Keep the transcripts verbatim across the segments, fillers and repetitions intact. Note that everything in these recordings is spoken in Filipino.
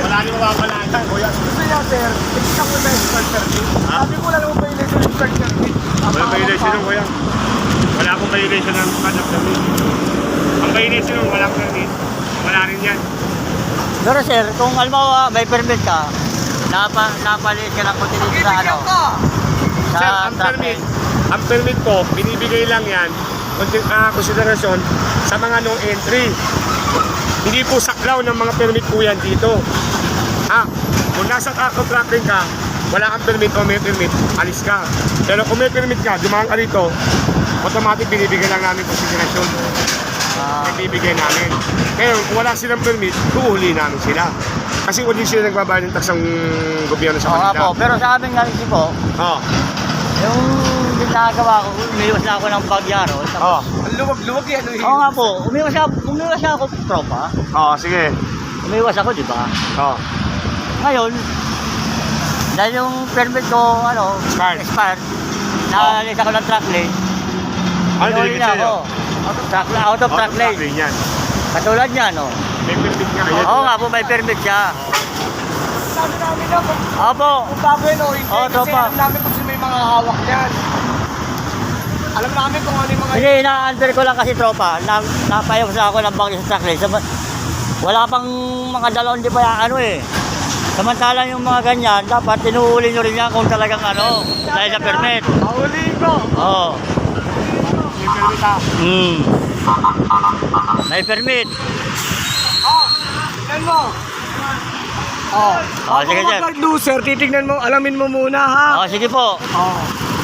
Wala rin mawawalaan. Kuya, gusto niya, sir. Tignan ko na yung start permit. Ha? Sabi ko lang naman violation yung start permit. Wala violation ng kuya. Wala akong violation ng conduct permit. Ang violation ng walang permit, wala rin yan. Pero sir, kung halimbawa may permit ka, napa, napalit ka ng kontinente sa ano? Sa Sir, ang truck permit, lane. ang permit ko, binibigay lang yan, konti- ah, konsiderasyon sa mga no entry. Hindi po saklaw ng mga permit po yan dito. Ah, kung nasa truck lane ka, wala kang permit o may permit, alis ka. Pero kung may permit ka, dumaan ka rito, automatic binibigay lang namin konsiderasyon. Ah, Ibibigay namin. Kaya kung wala silang permit, huhuli namin sila. Kasi hindi sila nagbabayad ng tax ng gobyerno sa oo nga kanila. po. Pero sa amin nga rin po, Oo. yung ginagawa ko, umiwas na ako ng bagyaro. Oo. Ang luwag-luwag yan. Oo nga po, umiwas na, umiwas na ako, tropa. Oo, sige. Umiwas ako, di ba? Oo. Ngayon, dahil yung permit ko, ano, Expired. expired, naalis ako ng truck lane. Ano Inuwi dinigit na sa'yo? ako. Out of truck, out of truck lane. yan. Katulad niya, no? May permit nga. Ayan. Oo nga po, may permit siya. Sabi namin na, kung Opo. kung bago yun o hindi, Oo, kasi tropa. alam namin kung sino may mga hawak yan. Alam namin kung ano yung mga... Hindi, ina-under ko lang kasi tropa. Na, napayos na ako ng bangko sa truck lane. Sama- Wala pang mga dalawang di ba yung ano eh. Samantalang yung mga ganyan, dapat tinuuli nyo rin yan kung talagang ano, dahil sa permit. Mahuli ko! Oo. May permit ha. Hmm. May permit. Oh, tignan mo! Oh, Oh, sige, sir. Kapag loser, titignan mo, alamin mo muna ha. Oo, sige po. Oh.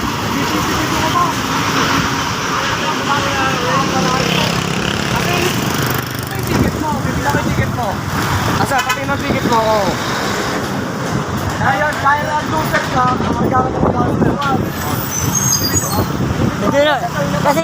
Ticket mo, bibila ko yung ticket mo. Asa, pati ng ticket mo, oh. Dahil, dahil ang loser ka, magagamit mo ng loser. Hindi na. Kasi